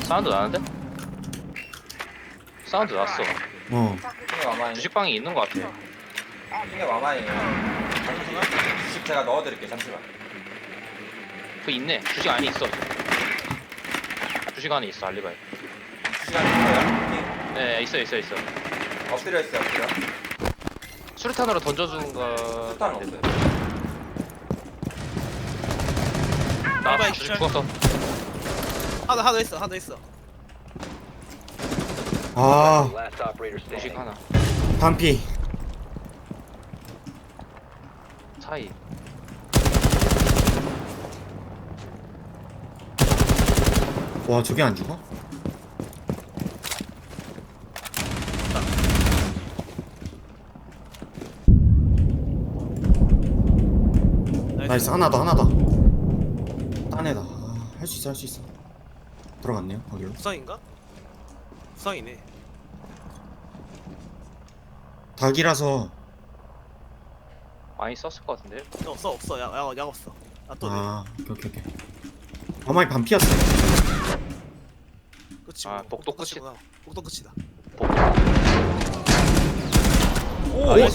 사운드 나는데? 사운드 났어. 핑계 와마이. 주식방이 있는 것 같아. 핑계 와마이에요. 잠시만. 주식 제가 넣어드릴게요. 잠시만. 그 있네. 주식 안에 있어. 주식 안에 있어 알리바이. 주식 안에 있어요? 네 있어. 엎드려 있어요. 엎드려. 수류탄으로 던져주는 거. 수탄 없어요. 나 알리바이 주식 기절. 죽었어. 하나 더 있어. 아, Last operator 주식 standing. 하나. 반피. 사이. 와, 저게 안 죽어? 나이스, 하나 더. 딴 애다. 아, 할 수 있어. 들어갔네요, 거기로. 부상인가? 부상이네. 닭이라서. 많이 썼을 것 같은데. 없어. 약 없어. 또 아, 오케이. 어마이 반피였어. 끝이. 아, 복도 끝이. 복도 끝이다. 복도. 오! 나이스.